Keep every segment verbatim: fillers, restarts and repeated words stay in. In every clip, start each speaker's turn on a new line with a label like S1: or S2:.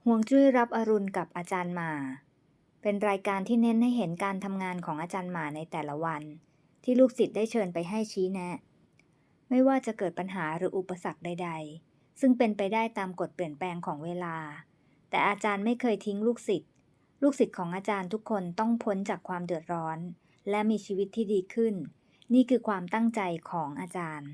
S1: ฮวงจุ้ยรับอรุณกับอาจารย์หมาเป็นรายการที่เน้นให้เห็นการทำงานของอาจารย์หมาในแต่ละวันที่ลูกศิษย์ได้เชิญไปให้ชี้แนะไม่ว่าจะเกิดปัญหาหรืออุปสรรคใดๆซึ่งเป็นไปได้ตามกฎเปลี่ยนแปลงของเวลาแต่อาจารย์ไม่เคยทิ้งลูกศิษย์ลูกศิษย์ของอาจารย์ทุกคนต้องพ้นจากความเดือดร้อนและมีชีวิตที่ดีขึ้นนี่คือความตั้งใจของอาจารย์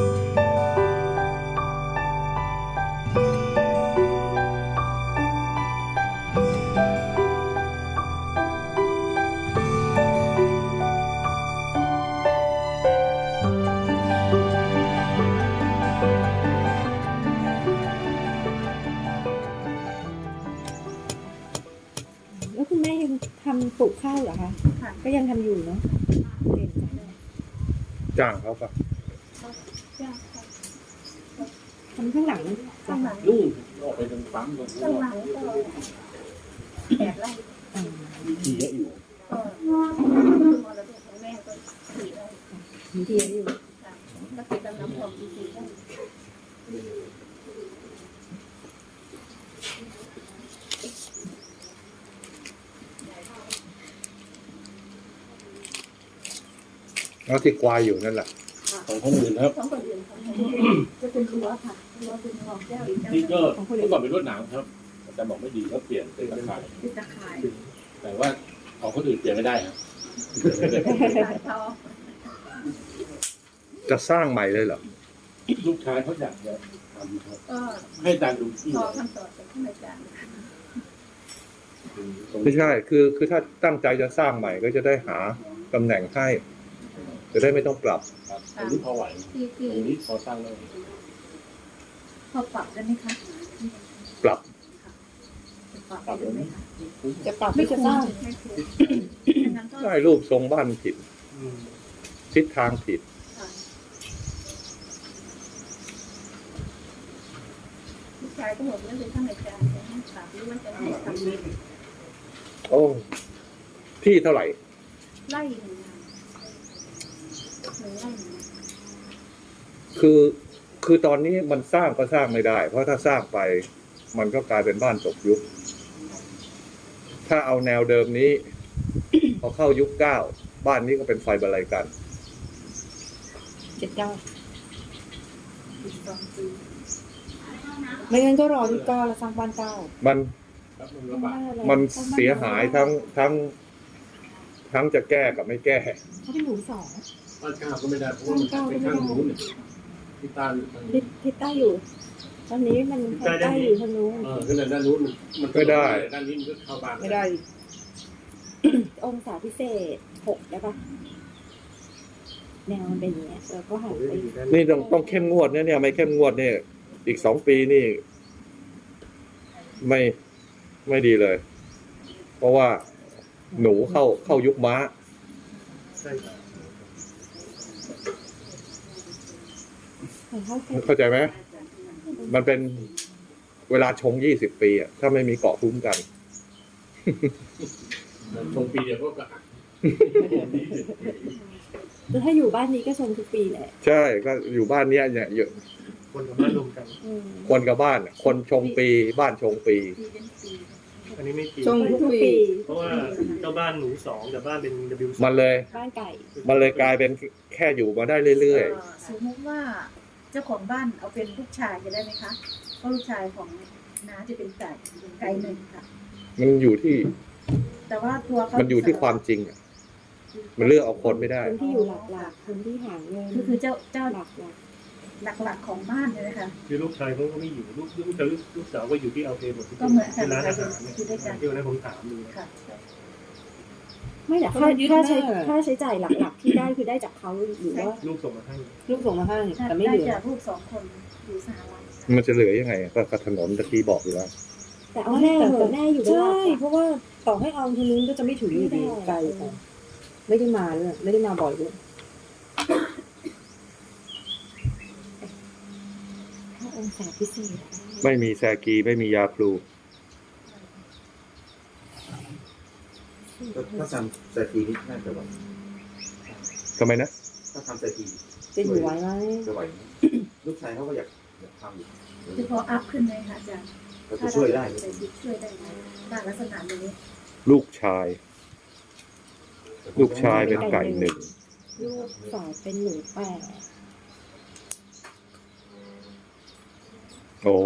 S2: แล้วคุณแม่ยังทำปลูกข้าวเหรอคะค่ะก็ยังทำอยู่เนาะเก่งจังเลย
S3: จ้างเขาปะ
S2: ทำข้างหลัง
S4: ข้างหลัง
S3: นู่นออกไปตรงปั๊มตรงนู้
S4: ข้าง
S3: น
S4: หลังก็แปดไร่
S2: อ่า
S3: มีทีเยอะอยู่
S4: ก็คือมรดกของแม่ก็สี่ไร่
S2: มีเทียอยู่
S4: ค่ะแล้วติดตำน้ำหอมอีกสี่ไร่
S3: แล้วที่ควายอยู่นั่นแหละของคนอื่นครับ
S4: สองคนอื่นของจะเป็นรั้วค่ะรั้วเป็นหอกแก้วอีก
S3: ที่ก็เมื่อก่อนเป็นรวดหนามครับแต่บอกไม่ดีก็เปลี่ยนเป็นตะข่าย
S4: ติดตะข่าย
S3: แต่ว่าของคนอื่นเปลี่ยนไม่ได้ครับ
S4: สายทอง
S3: จะสร้างใหม่เลยเหรอลูกชายเขาอยากจะทำครับ
S4: ก็
S3: ให้อาจารย์ดูที่
S4: ขอคำตอบจากท่านอาจารย์
S3: ไม่ใช่คือคือถ้าตั้งใจจะสร้างใหม่ก็จะได้หาตำแหน่งให้จะได้ไม่ต้องปรับครับตรงนี้พอไหว
S4: ที่ที่
S3: ตรงนี้พอสร้างได้
S4: พอปรับได้ไหมคะ
S3: ปรับ
S4: ปรับได้ไหมคะ
S2: จะปรับไม่จะสร้าง
S4: ไม่คุ้มงั้นก็
S3: ได้รูปทรงบ้านผิดทิศทางผิด
S4: ลูกชายก็บอกว่าเป็นท่านอาจารย์จะให้ปรับหรือว่าจะให้ทำเอง
S3: โอ้ที่เท่าไหร่
S4: ไล่หนึ่งงานหนึ่งไล่หนึ่งงาน
S3: คือคือตอนนี้มันสร้างก็สร้างไม่ได้ เพราะถ้าสร้างไป มันก็กลายเป็นบ้านตกยุค ถ้าเอาแนวเดิมนี้ พอเข้ายุคเก้าบ้านนี้ก็เป็นไฟบรรลัยกัน
S2: เจ็ดเก้า
S4: อีกสองปี
S2: ไม่งั้นก็รอที่เก้าแล้วสร้างบ้านเก้า
S3: มันมันเสียหายทั้งทั้ง ทั้งจะแก้กับไม่แก้
S2: เขาเป็นหนูสอง
S3: บ้านเก้าก็ไม่ได้เพราะว่ามันไปข้างนู้นที่ใต้
S2: ทิศทิศใต้อยู่ ตอนนี้มันทางใต้อยู่ทางนู้น
S3: เออขึ้นด้านนู้นมันไม่ได้ด้านนี้มันก็เข้าบ้าน
S2: ไม่ได้ องศาพิเศษหกได้ปะแนวมันเป็นอย่างเงี้ยแล้วก็หันไป
S3: นี่ต้องต้องเข้มงวดเนี่ยเนี่ยไม่เข้มงวดเนี่ยอีกสองปีนี่ ไม่ไม่ดีเลย เพราะว่าหนูเข้าเข้ายุคม้าเข้าใจไหมมันเป็นเวลาชงยี่สิบปีอ่ะถ้าไม่มีเกาะคุ้มกันชงปีเดียวก็กะ
S2: แล้วถ้าอยู่บ้านนี้ก็ชมทุกปีแหละ
S3: ใช่ก็อยู่บ้านเนี้ยเนี่ยเยอะ
S5: คนกับบ้านรวมกัน
S2: อืม
S3: คนกับบ้านอะคนชงปีบ้านชงปี
S4: ปีเป็นปี
S5: อันนี้ไม่จริง
S2: ชมทุกปี
S5: เพราะว่าเจ้าบ้านหนูสองแต่บ้านเป็น W สอง
S3: มันเลย
S2: บ้านไก่
S3: มันเลยกลายเป็นแค่อยู่มาได้เรื่อย
S4: เอ่อสมมติว่าเจ้าของบ้านเอาเป็นลูกชายจะได้ไหมคะเพราะลูกชายของน้าจะเป็นไก่ไก่หนึ่งค่ะ
S3: ๆมันอยู่ที่
S4: แต่ว่าตัวเขา
S3: มันอยู่ที่ความจริงอะมันเลือกเอาคนไม่ได้
S2: คนที่อยู่หลักๆคนที่หาเงิน
S4: คือคือเจ้าเจ้า
S2: หลัก
S4: หลักๆของบ้านเลยนะคะ
S5: คือลูกชายเขาก็ไม่อยู่ลูกลูกชายลูกสาวก็อยู่ที่เอาเอหมด
S4: ก็เหมือนกัน
S5: ที่ร้านอาหารเนี่ย
S4: อยู่ด้วยกัน
S5: ที่วันนั้นผมถามดู
S4: ค่ะ
S2: ๆไม่แต่ค่าค่าใช้ค่าใช้จ่ายหลักๆที่ได้คือได้จากเขาหรือว่า
S5: ลูกส่งมาให้
S2: ลูกส่งมาให้แต่ไม่
S4: ได้
S2: เหลือ
S4: จากลูกสองคนอยู่สหรัฐ
S3: มันจะเหลือยังไงอะก็ก็ถนนตะกี้บอกอยู่แล้ว
S2: แต่เอาแน่เหอะแน่อยู่ด้วย
S6: ใช่เพราะว่าต่อให้เอาทางนู้นก็จะไม่ถึงอยู่ดีไกลไปไม่ได้มาเลยไม่ได้มาบ่อยด้วย
S2: ถ้าองศาพิเศษ
S3: ไม่มีแซกีไม่มียาครู
S7: ถ้าทำสตีนี่น่าจะไหว
S3: ทำไมนะ
S7: ถ้าทำสตี
S6: จะอยู่ไหวไหม
S7: จะไหวไหมลูกชายเขาก็อยากอยากทำอยู่
S4: คือพออัพขึ้นไหมคะอาจารย์
S7: เราจะช่วยได้
S4: ถ้าเราเป็นช่วยได้ไหมบ้านลักษณะนี้
S3: ลูกชาย ลูกชายเป็นไก่หนึ่ง
S2: ลูกสาวเป็นหนูแปด
S3: โอ้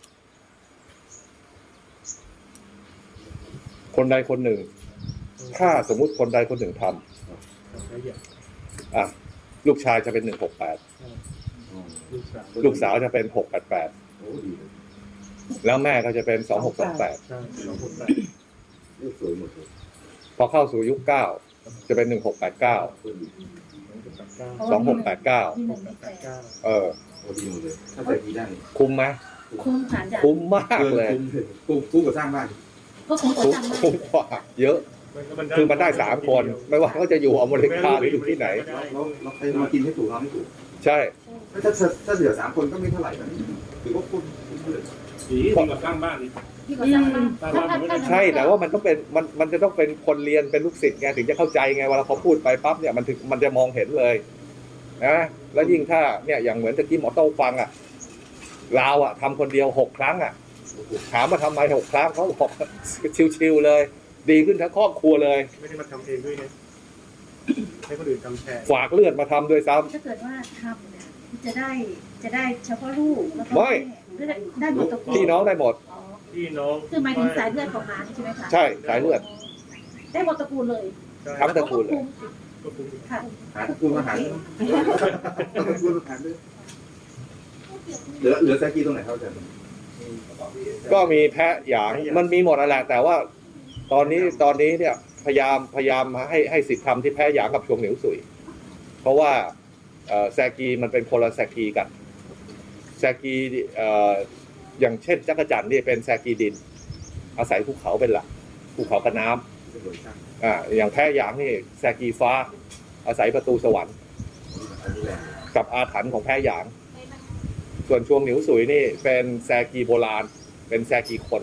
S3: คนใดคนหนึ่ง ถ้าสมมุติคนใดคนหนึ่งทำ
S5: แล้วอย่าง
S3: อ่ะลูกชายจะเป็นหนึ่งหกแปด
S5: ลูกสาว
S3: ลูกสาวจะเป็นหกแปดแปด
S7: โอ้ดีเลย
S3: แล้วแม่ก็จะเป็นสองหกสองแปด
S5: ใช่สองคนแปด
S7: เลือกสวยหมดเลย
S3: พอเข้าสู่ยุคเก้าจะเป็นหนึ่งหกแปดเก้า
S7: คนดี
S5: สองคนแปดเก้า
S3: สองหกแปดเก้า
S4: ที่หนึ่งไม่แปด
S5: เก้า
S3: เออ
S7: โอ้ดีหมดเลยถ้าใส่ทีได้
S3: คุ้มไหม
S4: คุ้มผ่านจาก
S3: คุ้มมากเลย
S7: คุ้มเลยคุ้มคุ้มกับสร้างบ้าน
S4: ก็คุ้มกว่า
S3: คุ้ม
S4: จำได้
S3: คุ้มกว่าเยอะ คือมันได้สามคน ไม่ว่าเขาจะอยู่อเมริกาหรืออยู่ที่ไหน
S7: เราเราใครมากินให้ถูกเราไม่ถูก
S3: ใช่
S7: ถ้าถ้าถ้าเหลือสามคนก็ไม่เท่าไหร่นะถือว่าคุ้มคุ้มเลย
S5: ดีดีกว่าสร้างบ้านนี่
S4: ที่เขาสร้างบ้าน
S5: สร้างบ้านมันไม่ได้
S3: ใช่แต่ว่ามันต้องเป็นมันมันจะต้องเป็นคนเรียนเป็นลูกศิษย์ไงถึงจะเข้าใจไงเวลาพอพูดไปปั๊บเนี่ยมันถึงมันจะมองเห็นเลยนะแล้วยิ่งถ้าเนี่ยอย่างเหมือนตะกี้หมอโต้ฟังอ่ะลาวอ่ะทำคนเดียวหกครั้งอ่ะถามว่าทำไมหกครั้งเขาบอกชิวๆเลย ดีขึ้นทั้งครอบครัวเลย
S5: ไม่ได้มาทำเองด้วยนะให้คนอื่นทำแทน
S3: ฝากเลือดมาทำด้วยซ้ำ
S4: ถ้าเกิดว่าทำเนี่ยจะได้จะได้เฉพาะลูกแล้วก็
S3: ไม่
S4: แม่ได้ได้หมดตระกูล
S3: พี่น้องได้หมด
S4: อ๋อ
S5: พี่น้อง
S4: คือหมายถึงสายเลือดของน้าใช่ไหมคะ
S3: ใช่สายเลือด
S4: ได้หมดตระกูลเลย
S3: ทั้งตระกูลเลย
S5: ก็คุ้ม
S4: ค่ะ
S7: หาคุ้มอาหารต้องคุ้มอาหารด้วยเหลือเหลือแซกีตรงไหนเขาจะ
S3: ก็มีแพะหยางมันมีหมดนั่นแหละแต่ว่า ตอนนี้ตอนนี้เนี่ยพยายามพยายามให้ให้สิทธิ์ทำที่แพะหยางกับชวงเหนียวสุย เพราะว่าเอ่อแซกีมันเป็นคนละแซกีกันแซกีเอ่ออย่างเช่นจักรจั่นนี่เป็นแซกีดิน อาศัยภูเขาเป็นหลักภูเขากับน้ำ
S7: เป็นโดยช่าง
S3: อ่าอย่างแพะหยางนี่แซกีฟ้า อาศัยประตูสวรรค์
S7: อันนี้แหละ
S3: กับอาถรรพ์ของแพะหยาง ส่วนชวงเหนียวสุยนี่เป็นแซกีโบราณ เป็นแซกีคน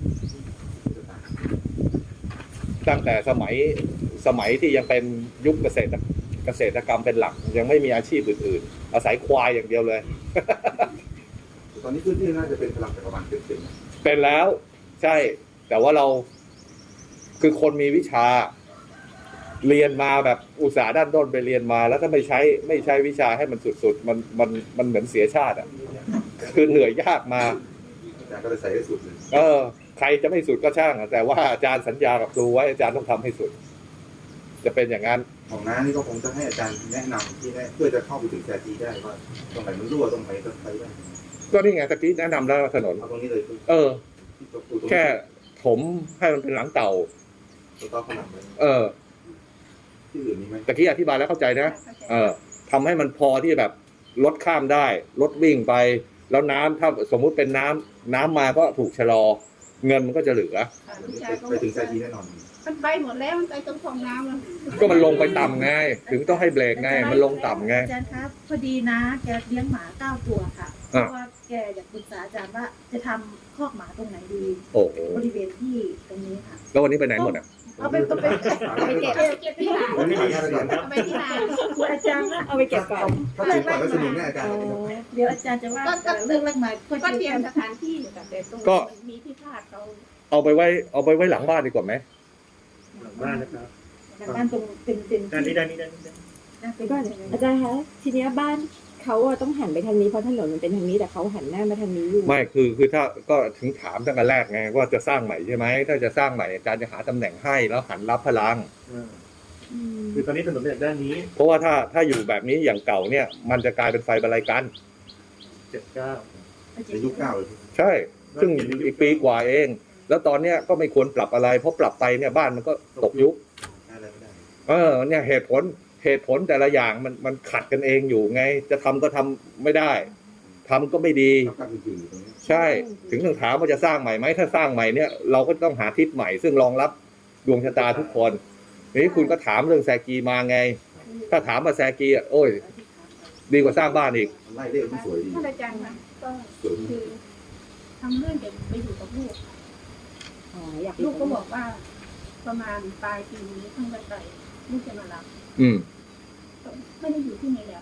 S3: ตั้งแต่สมัยสมัยที่ยังเป็นยุคเกษตรเกษตรกรรมเป็นหลัก ยังไม่มีอาชีพอื่นๆ อาศัยควายอย่างเดียวเลย
S7: ตอนนี้พื้นที่น่าจะเป็นพลังจักรวาลเต็มๆ
S3: เป็นแล้วใช่ แต่ว่าเราคือคนมีวิชา เรียนมาแบบอุตสาห์ด้านต้นไปเรียนมา แล้วถ้าไม่ใช้ไม่ใช้วิชาให้มันสุดๆ มันมันมันเหมือนเสียชาติอ่ะคือเหนื่อยยากมา
S7: อาจารย์ก็เลยใส่ให้สุดเลย
S3: เออ ใครจะไม่สุดก็ช่างอะแต่ว่าอาจารย์สัญญากับครูไว้อาจารย์ต้องทำให้สุด จะเป็นอย่างนั้น
S7: ของน้านี่ก็คงจะให้อาจารย์แนะนำที่แน่เพื่อจะเข้าไปถึงแซกีได้ว่าตรงไหนมันรั่วตรงไหนก็ใช้ได้
S3: ก็นี่ไงตะกี้แนะนำแล้วถนน
S7: เอาตรงนี้เลยคือ
S3: เออ
S7: ที่ตัวปูตรง
S3: แค่ถมให้มันเป็นหลังเต่า
S7: ตัวต้อขนาดเลย
S3: เออ
S7: ที่อื่นมีไหม
S3: ตะกี้อธิบายแล้วเข้าใจนะ เออทำให้มันพอที่แบบรถข้ามได้ รถวิ่งไป แล้วน้ำถ้าสมมุติเป็นน้ำน้ำมาก็ถูกชะลอ เงินมันก็จะเหลือ
S7: ไปถึงแซกีแน่นอน
S8: มันไปหมดแล้วมันไปตรงคลองน้ำแล้ว
S3: ก็มันลงไปต่ำไง ถึงต้องให้เบรกไง มันลงต่ำไง
S4: อาจารย์ครับพอดีนะแกเลี้ยงหมาเก้าตัวค่ะเพ
S3: อ่ะ
S4: ราะว่าแกอยากปรึกษาอาจารย์ว่าจะทำคอกหมาตรงไหนดี
S3: โอ้โห
S4: บริเวณที่ตรงนี้ค่ะ
S3: แล้ววันนี้ไปไหนหมดอ่ะ
S8: เอาไปเอาไปเอาไปเก็บเอาไปเก็บที่ไหน
S7: วันนี้ขออนุญาตก่อน
S8: เอาไปที่ไหน
S4: คุณอาจารย์นะ
S2: เอาไปเก็บก่อน
S7: ถ้าถึงก่อนก็สนุกแน่อาจารย์
S4: เดี๋ยวอาจารย์จะว่าเรื่องเรื่องใหม่ก็
S8: ก็
S4: จะ
S8: เตรียมสถานที่แต่แต่ตรง
S3: ก็
S8: มีที่พาดเขา
S3: เอาไปไว้เอาไปไว้หลังบ้านดีกว่าไหม
S5: หลังบ้านนะครับ
S4: บ้านตรงเป็นเป็น
S5: ด้านนี้ด้านนี้ด้านนี้
S4: เป็น
S2: ก็อาจารย์คะทีเนี้ยบ้านเขาอะต้องหันไปทางนี้เพราะถนนมันเป็นทางนี้แต่เขาหันหน้ามาทางนี้อยู่
S3: ไม่คือคือถ้าก็ถึงถามตั้งแต่แรกไงว่าจะสร้างใหม่ใช่ไหมถ้าจะสร้างใหม่อาจารย์จะหาตำแหน่งให้แล้วหันรับพลัง
S5: อ่า
S2: อืม
S5: คือตอนนี้ถนนเป็นจากด้านนี้
S3: เพราะว่าถ้าถ้าอยู่แบบนี้อย่างเก่าเนี่ย มันจะกลายเป็นไฟบรรลัยกัน
S5: เจ็ดเก้า
S7: ในยุคเก้าเลย
S3: ใช่ ซึ่งอีกปีกว่าเอง แล้วตอนเนี้ยก็ไม่ควรปรับอะไรเพราะปรับไปเนี่ยบ้านมันก็ตกยุค
S7: อะไรไม่ได้
S3: เออเนี่ยเหตุผลเหตุผลแต่ละอย่างมันมันขัดกันเองอยู่ไง จะทำก็ทำไม่ได้ทำก็ไม่ดี
S7: ต้องการจริงๆอยู่ตรงนี้
S3: ใช่ ถึงต้องถามว่าจะสร้างใหม่ไหมถ้าสร้างใหม่เนี่ยเราก็ต้องหาทิศใหม่ ซึ่งรองรับดวงชะตาทุกคนทีนี้คุณก็ถามเรื่องแซกีมาไง ถ้าถามมาแซกีอ่ะโอ้ย ดีกว่าสร้างบ้านอีก
S7: ไล่เลขที่สวยดี
S8: ท่านอาจารย์คะก็
S7: สวย
S8: คือทำเรื่องเด็กไปอยู่กับลูก
S2: อ๋ออยาก
S8: ลูกก็บอกว่า ประมาณปลายปีนี้เพิ่งไปไปลูกจะมารับ
S3: อืม
S8: ไม่ได้อยู่ที่นี่แล้ว
S3: อ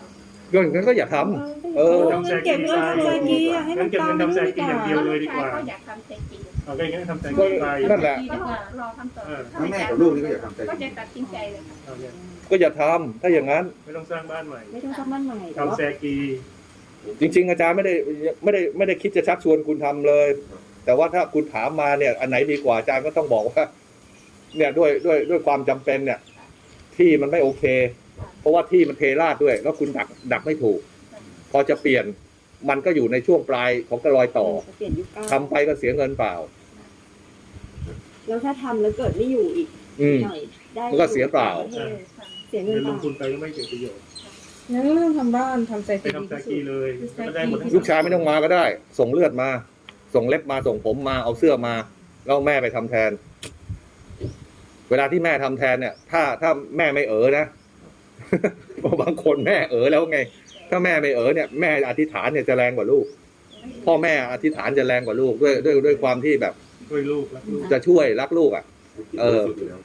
S3: ก็งั้นก็อย่าทำ เออ
S6: เงินเก็บเงินทำแซกีอะให้มันตามไปด้วยดีกว่า
S5: เดียวเลยดีกว่า
S8: ก็อยากทำใจจริง
S5: เอาก็อย่างนั้นทำใจ
S3: ก็
S5: ไป
S3: นั่นแหละ
S8: ก็รอคำตอบ
S7: ทั้งแม่กับลูกนี่ก็อยากทำใจ
S8: ก็จะตัดสินใจเลยค่ะ
S5: เอาเนี่ย
S3: ก็อย่าทำถ้าอย่างนั้น
S5: ไม่ต้องสร้างบ้านใหม่
S2: ไม่ต้องทำบ้านใหม่แต่ว่า
S5: ทำแซกี
S3: จริง ๆ อาจารย์ไม่ได้ไม่ได้ไม่ได้คิดจะชักชวนคุณทำเลย แต่ว่าถ้าคุณถามมาเนี่ย อันไหนดีกว่าอาจารย์ก็ต้องบอกว่า เนี่ยด้วยด้วยด้วยความจำเป็นเนี่ย ที่มันไม่โอเค เพราะว่าที่มันเทราดด้วย แล้วคุณดักดักไม่ถูก พอจะเปลี่ยนมันก็อยู่ในช่วงปลายของกระรอยต่อ
S2: เปลี่ยนยุคเก้า
S3: ทำไปก็เสียเงินเปล่า
S2: แล้วถ้าทำแล้วเกิดไม่อยู่อีก
S3: อืม
S2: หน่อยได้
S3: มันก็เสียเปล่า
S2: เสียเงิ
S5: เงิ
S2: น
S5: น
S2: เป
S5: ล
S2: ล่าง
S5: ทุนไปก็ไม่เกิดประโยชน์
S6: งั้นก็ไม่ต้องทำบ้านทำแซ
S5: ไป
S6: กี
S5: ทำแซกีเลยก็ได้หมดทั้ง
S3: ลูกชายไม่ต้องมาก็ได้ ส่งเลือดมา ส่งเล็บมาส่งผมมาเอาเสื้อมาแล้วแม่ไปทำแทน เวลาที่แม่ทำแทนเนี่ย ถ้าถ้าแม่ไม่เอ๋อนะ เพราะบางคนแม่เอ๋อแล้วไง ถ้าแม่ไม่เอ๋อเนี่ยแม่อธิษฐานเนี่ยจะแรงกว่าลูก พ่อแม่อธิษฐานจะแรงกว่าลูกด้วยด้วยด้วยความที่แบบ
S5: ช่วยลูกรักลูก
S3: จะช่วยรักลูกอ่ะ เออ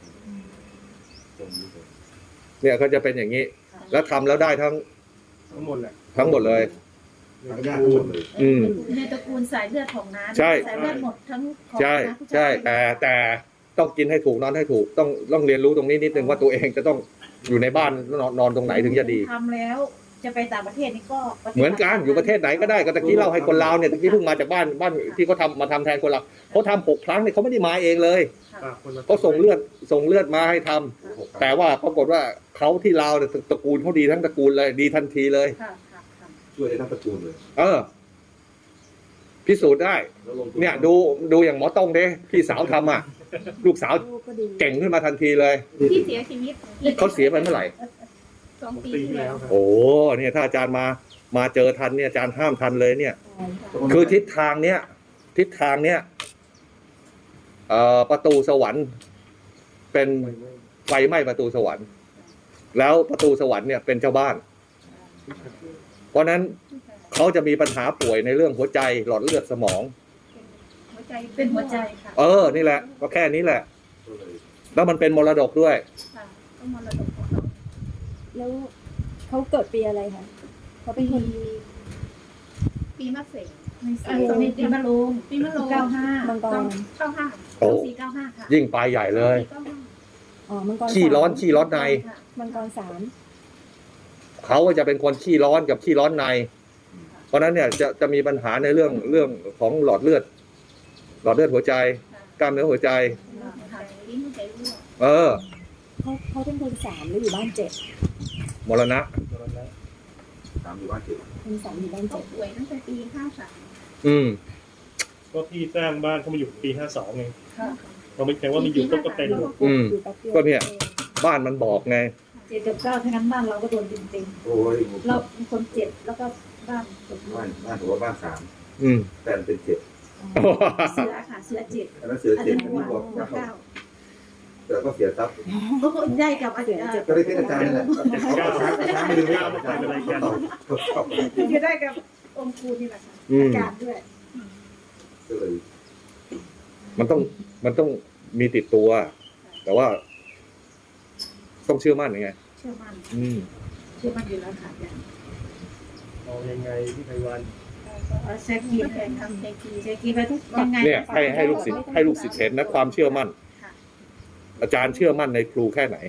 S3: เนี่ยก็จะเป็นอย่างนี้ แล้วทำแล้วได้ทั้ง
S5: ทั้งหมดแหละ
S3: ทั้งหมดเลย
S7: ทั้งญาติทั้งหมดเลย
S3: อืม
S4: ในตระกูลสายเลือดของน้า
S3: ใช่
S4: สายเลือดหมดทั้งของ
S3: ใช่
S4: น้าผู้าย
S3: ใช่แต่แต่ต้องกินให้ถูกนอนให้ถูกต้องต้องเรียนรู้ตรงนี้นิดนึงว่าตัวเองจะต้องอยู่ในบ้านนอนนอนตรงไหนถึงจะดี
S4: ทำแล้วจะไปต่างประเทศนี่ก็ปฏิบัติ
S3: เหมือนกันอยู่ประเทศไหนก็ได้ก็ตะกี้เล่าให้คนลาวเนี่ยตะกี้เพิ่งมาจากบ้านบ้านที่เขาทำมาทำแทนคนลาวเขาทำหกครั้งเนี่ยเขาไม่ได้มาเองเลย
S5: ฝากคนมา
S3: เขาส่งเลือดส่งเลือดมาให้ทำแต่ว่าปรากฏว่าเขาที่ลาวเนี่ยตระกูลเขาดีทั้งตระกูลเลยดีทันทีเลย
S4: ค่ะค่ะค่ะ
S7: ช่วยได้ทั้งตระกูลเลย
S3: เออ พิสูจน์ได้
S7: แล้วลงทุ
S3: เนี่ยดูดูอย่างหมอต้องเด้พี่สาวทำอ่ะ ลูกสาว
S2: ลูกก็ดี
S3: เก่งขึ้นมาทันทีเลย
S8: ที่เสียชีวิต
S3: เขาเสียไปเมื่อไหร่
S8: สอง
S5: สอง
S8: ปี
S5: ปี
S8: ที่
S5: ที่
S8: แล้
S5: แล้ว วครับ
S3: โอ้เนี่ยถ้าอาจารย์มามาเจอทันเนี่ยอาจารย์ห้ามทันเลยเนี่ย
S2: ใช่
S3: คือทิศทางเนี้ยทิศทางเนี้ยเอ่อประตูสวรรค์ เป็นไฟไหม้ประตูสวรรค์ แล้วประตูสวรรค์เนี่ยเป็นเจ้าบ้าน เพราะฉะนั้นเขาจะมีปัญหาป่วยในเรื่องหัวใจหลอดเลือดสมอง
S8: หัวใจ
S4: เป็นหัวใจค่ะ
S3: เออ นี่แหละ ก็แค่นี้แหละ
S7: ก็เลย
S3: แล้วมันเป็นมรดกด้วย
S8: ค่ะต้องมรดกของเขา
S2: แล้วเขาเกิดปีอะไรคะเขาเป็นคน
S8: ปีมะเสง
S4: ไม่ใช่ตอนนี้ปีมะโรง
S8: ปีมะโรง
S4: เก้าห้า
S2: มังกร
S8: เก้าห้า
S3: โอ้
S4: สี่เก้าห้าค่ะ
S3: ยิ่งปลายใหญ่เลย
S8: เก้าห้า
S2: อ๋อมังกร
S3: ขี้ร้อน
S2: สาม
S3: ขี้ร้อนใน
S2: มังกรสาม
S3: เขาก็จะเป็นคนขี้ร้อนกับขี้ร้อนใน เพราะฉะนั้นเนี่ยจะจะมีปัญหาในเรื่องเรื่องของหลอดเลือด หลอดเลือดหัวใจ กล้ามเนื้อหัวใจ
S8: ค่ะลิ้นหัวใจรั่ว
S3: เออ
S2: เขาเขาเป็นคนสามแล้วอยู่บ้านเจ็ด
S3: มรณะ
S7: ตามอยู่บ้านเจ็ด
S2: คนสามอยู่บ้าน
S8: เขา
S2: เจ็ด
S8: ป่วยตั้งแต่ปีห้าสาม
S3: อืม
S5: ก็พี่สร้างบ้านเขามาอยู่ปีห้าสองไง
S4: ค่ะ
S5: เราไม่แค่ว่ามันอยู่ก็ก็เป็นหมด
S3: อืม
S2: อยู่แป๊บเดียว
S3: ก็เนี่ย บ้านมันบอกไง
S4: เจ็ดกับเก้าทั้งนั้นบ้านเราก็โดนเต็ม
S7: โอ้ย
S4: ๆเราเป็นคนเจ็ดแล้วก็บ้านตก
S7: บ้านบ้านถือว่าบ้านสาม
S3: อืม
S7: แต่มันเป็นเจ็ด
S4: เสือค่ะเสือเจ็ด
S7: อันนั้นเสือ
S4: อัน
S7: เจ็ด
S4: นี้
S7: อัน
S4: หัว
S7: นี้บอก
S4: หัวเก้า
S7: เสือก็เสียทรัพย์
S4: ก็คนได้กับอาจารย์
S7: ก็ได้เป็นอาจารย์นี่แหละเขาเอาช้างช้างไม่ดึงไม่เอาช้างไม่ดึงไม่เอา
S4: จะได้กับองค์ครูนี่แหละค่ะ
S3: อืม
S4: อาจารย์ด้วย
S7: ก็เลย
S3: มันต้องมันต้องมีติดตัว แต่ว่า ต้องเชื่อมั่นไง
S4: เชื่อมั่น
S3: อืม
S4: เชื่อมั่นอยู่แล้วค่ะอาจารย์
S5: เอายังไงพี่ไพวัน
S4: เอาเช็คกี
S8: ก็
S4: ไป
S8: แต่ทำใจจริง
S4: เช็คกีไปทุกยังไง
S3: เนี่ยให้ให้ลูกศิษย์ให้ลูกศิษย์เห็นนะความเชื่อมั่น อาจารย์เชื่อมั่นในครูแค่ไหน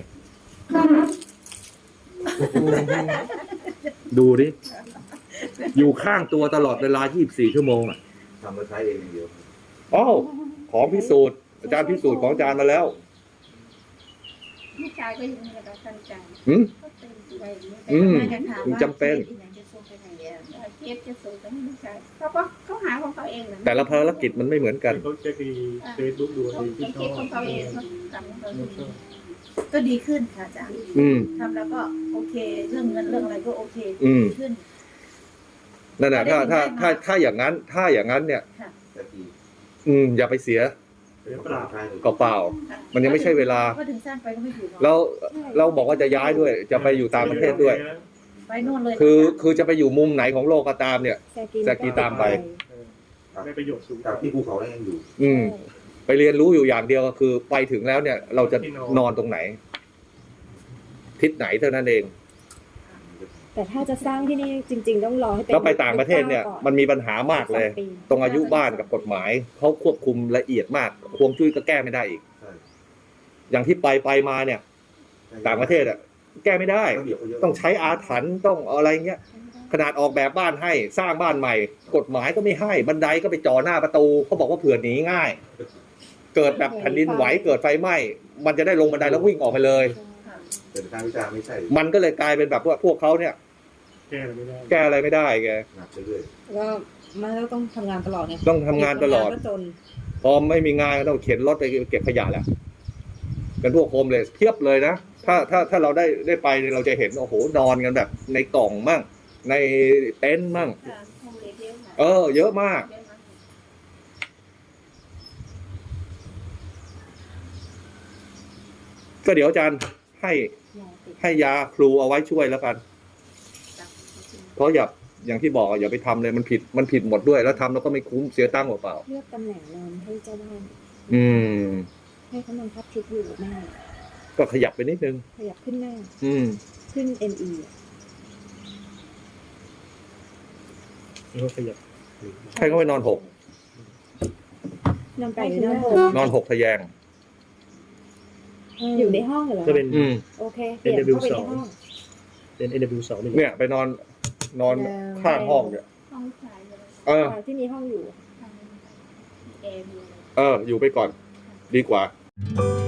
S3: ดูดิ อยู่ข้างตัวตลอดเวลายี่สิบสี่ชั่วโมงอ่ะ
S7: ทำแล้วใช้เองอย่างเดียว
S3: อ้าวของพิสูจน์ อาจารย์พิสูจน์ของอาจารย์มาแล้ว
S8: ลูกชายก็ยังมีกระตันใจ
S3: หืม
S8: ก็เต็มใจเนี่ย
S3: อืม
S4: จะถามว่า
S3: จำเป็น
S4: ที่ไหนจะส่งไปไหนอะ
S8: เคสจะส่งไปให้ลูกชายเขาก็เขาหาของเขาเองนะ
S3: แต่ละภารกิจมันไม่เหมือนกัน
S5: เขาเช็คดีเฟซบุ๊กดู
S8: เขา
S5: ดีที่ช
S8: เค
S5: อ
S8: สของเขาเอง
S5: บ
S8: เขาทำของเขาเอง
S4: ก็ดีขึ้นค่ะอาจารย์
S3: อืม
S4: ทำแล้วก็โอเค เรื่องเงินเรื่องอะไรก็โอเค
S3: อืม
S4: ดีขึ้น
S3: นั่นแหละถ้าถ้าถ้าถ้าอย่างนั้น ถ้าอย่างนั้นเนี่ย
S7: แต่ที
S3: อืม อย่าไปเสีย
S5: เสีย
S7: เป
S5: เป
S7: ล่า
S5: ล่า
S7: ใช่เลย
S3: เปล่า มันยังไม่ใช่เวลา
S4: ก็ถึงสร้างไปก็ไม่ถูกหรอก
S3: แล้วเราบอกว่าจะย้ายด้วย จะไปอยู่ต่างประเทศด้วย
S4: ไปโน่นเลย
S3: คือคือจะไปอยู่มุมไหนของโลกก็ตามเนี่ย
S2: แซกี
S3: แซกีตามไป
S5: ได้ประโยชน์สูง
S7: จากที่ภูเขายังอยู่
S3: อืม ไปเรียนรู้อยู่อย่างเดียวก็คือ ไปถึงแล้วเนี่ย เราจะนอนตรงไหน ทิศไหนเท่านั้นเอง
S2: แต่ถ้าจะสร้างที่นี่จริง ๆ ต้องรอให้เป็น
S3: แล้วไปต่างประเทศเนี่ย
S2: ก่อ
S3: มันมีปัญหามากเลย
S2: สองปี
S3: ตรงอายุบ้านกับกฎหมายเขาควบคุมละเอียดมากฮวงจุ้ยก็แก้ไม่ได้อีก
S7: ใช่
S3: อย่างที่ไปไปมาเนี่ย ต่างประเทศอ่ะแก้ไม่ได้
S7: ระเบียบเขาเยอะ
S3: ต้องใช้อาถรรพ์ต้องอะไรเงี้ย ขนาดออกแบบบ้านให้สร้างบ้านใหม่ กฎหมายก็ไม่ให้บันไดก็ไปจ่อหน้าประตูเขาบอกว่าเผื่อหนีง่าย เกิดแบบแผ่นดินไหวเกิดไฟไหม้มันจะได้ลงบันไดแล้ววิ่งออกไปเลย
S7: เป็นทางวิชาไม่ใช่
S3: มันก็เลยกลายเป็นแบบว่าพวกเขาเนี่ย
S5: แก้อะไรไม่ได้
S3: แก้อะไรไม่ได้แก
S7: หนักเรื่อย
S6: ก็มันก็ต้องทำงานตลอดไง
S3: ต้องทำงานตลอด
S6: ก็จน
S3: พอไม่มีงานก็ต้องเข็นรถไปเก็บขยะแหละเป็นพวกโฮมเลสเพียบเลยนะถ้าถ้าถ้าเราได้ได้ไปเราจะเห็นโอ้โหนอนกันแบบในกล่องมั่งในเต็นท์มั่ง
S8: ค่ะห้องเล็กเยอะค่ะ
S3: เออ เยอะมาก
S8: เยอะมาก
S3: ก็เดี๋ยวอาจารย์ให้ให้ยาครูเอาไว้ช่วยแล้วกัน เพราะอย่าอย่างที่บอกอะอย่าไปทำเลยมันผิดมันผิดหมดด้วยแล้วทำแล้วก็ไม่คุ้มเสียตังค์เปล่า
S2: เลือกตำแหน่งนอนให้เจ้าบ้าน
S3: ๆอืม
S2: ให้เขานอนพับทิศอยู่กับแม่
S3: ก็ขยับไปนิดนึง
S2: ขยับขึ้นหน้า
S3: อืม
S2: ขึ้น เอ็น อี
S5: แล้วก็ขยับ
S3: ให้เขาไปนอนหก
S2: นอนไปหรือนอนหก
S3: นอนหกทะแยง
S2: อยู่ในห้องเหรอ
S5: ก็เป็น
S3: อืม
S2: โอเคเปลี่ยนเข้าไปในห้อง
S5: เป็น เอ็น ดับเบิลยู สอง
S3: เนี่ยไปนอนนอนข้างห้องเนี่ย
S8: ห้องชายเลย
S3: เออ
S2: ที่มีห้องอยู่
S8: ทางเอมีอะไร
S3: เออ อยู่ไปก่อน ดีกว่า
S8: ค